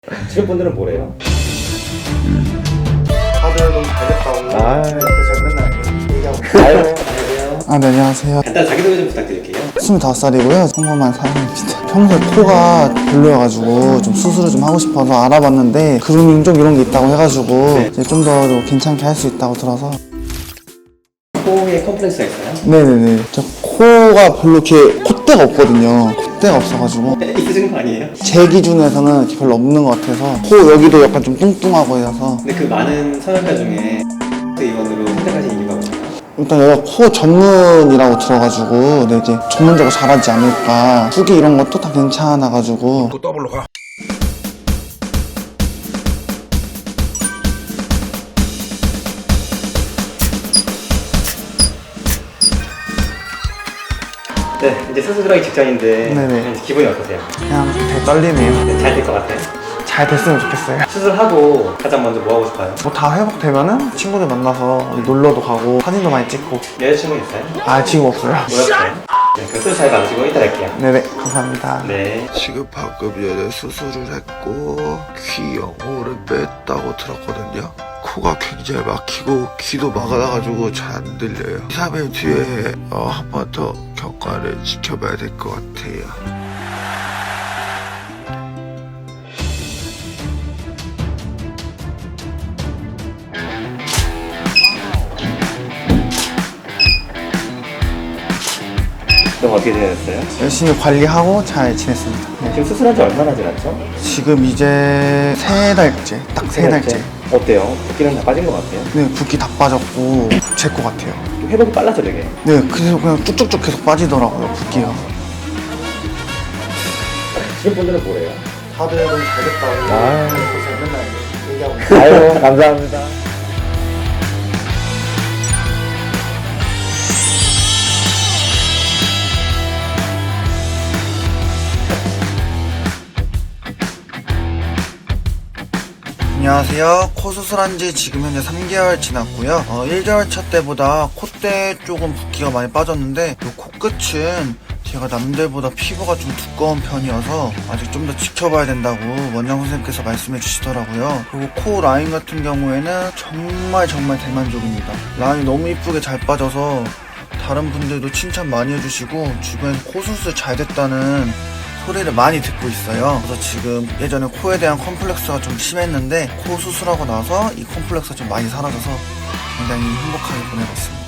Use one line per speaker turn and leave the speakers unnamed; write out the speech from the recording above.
주변 분들은 뭐래요?
다들 너무 잘 됐다고. 제가 맨날 얘기하고 있어요.
안녕하세요.
네, 안녕하세요.
간단 자기소개 좀 부탁드릴게요.
25살이고요. 평범한 사람입니다. 평소에 코가 별로여가지고 좀 수술을 좀 하고 싶어서 알아봤는데 그루밍 쪽 이런 게 있다고 해가지고 이제 좀 더 괜찮게 할 수 있다고 들어서.
코에 컴플렉스가 있어요?
네네네. 저 코가 별로 이렇게 콧대가 없거든요. 콧대가 없어가지고
있으신 거 아니에요?
제 기준에서는 이렇게 별로 없는 것 같아서 코 여기도 약간 좀 뚱뚱하고 해서
근데 그 많은 성형외과 중에 의원으로 선택하신 이유가 뭐예요?
일단 여기가 코 전문이라고 들어가지고 네, 이제 전문적으로 잘하지 않을까. 후기 이런 것도 다 괜찮아가지고.
더블로 가.
네, 이제 수술 들어가기 직전인데
네네.
이제 기분이 어떠세요?
그냥 되게 떨리네요.
잘 될 것 같아요?
잘 됐으면 좋겠어요.
수술하고 가장 먼저 뭐 하고 싶어요?
뭐 다 회복되면은 친구들 만나서 어디 놀러도 가고 사진도 많이 찍고.
여자친구 있어요?
아 지금 없어요.
뭐였어요? 네, 그 수술 잘 받으시고 이따 뵐게요.
네네 감사합니다.
네.
지금 방금 전에 수술을 했고 귀 영호를 뺐다고 들었거든요. 코가 굉장히 막히고 귀도 막아놔가지고 잘 안 들려요. 2, 3일 뒤에 한 번 더 경과를 지켜봐야 될 것 같아요.
그럼 어떻게 지내셨어요?
열심히 관리하고 잘 지냈습니다. 네.
지금 수술한 지 얼마나 지났죠?
지금 이제 3달째, 딱 3달째.
어때요? 붓기는 다 빠진 것 같아요?
네 붓기 다 빠졌고 제 것 같아요.
회복이 빨라져 되게.
네 그래서 그냥 쭉쭉쭉 계속 빠지더라고요 붓기가.
주변 분들은 뭐래요?
다들 너무 잘 됐다고. 제가 맨날 얘기하고
아유, 감사합니다.
안녕하세요. 코 수술한 지 지금 현재 3개월 지났고요. 1개월 차 때보다 콧대 쪽은 붓기가 많이 빠졌는데 이 코끝은 제가 남들보다 피부가 좀 두꺼운 편이어서 아직 좀 더 지켜봐야 된다고 원장 선생님께서 말씀해 주시더라고요. 그리고 코 라인 같은 경우에는 정말 대만족입니다. 라인이 너무 이쁘게 잘 빠져서 다른 분들도 칭찬 많이 해주시고 주변에서 코 수술 잘 됐다는 소리를 많이 듣고 있어요. 그래서 지금 예전에 코에 대한 컴플렉스가 좀 심했는데 코 수술하고 나서 이 컴플렉스가 좀 많이 사라져서 굉장히 행복하게 보내고 있습니다.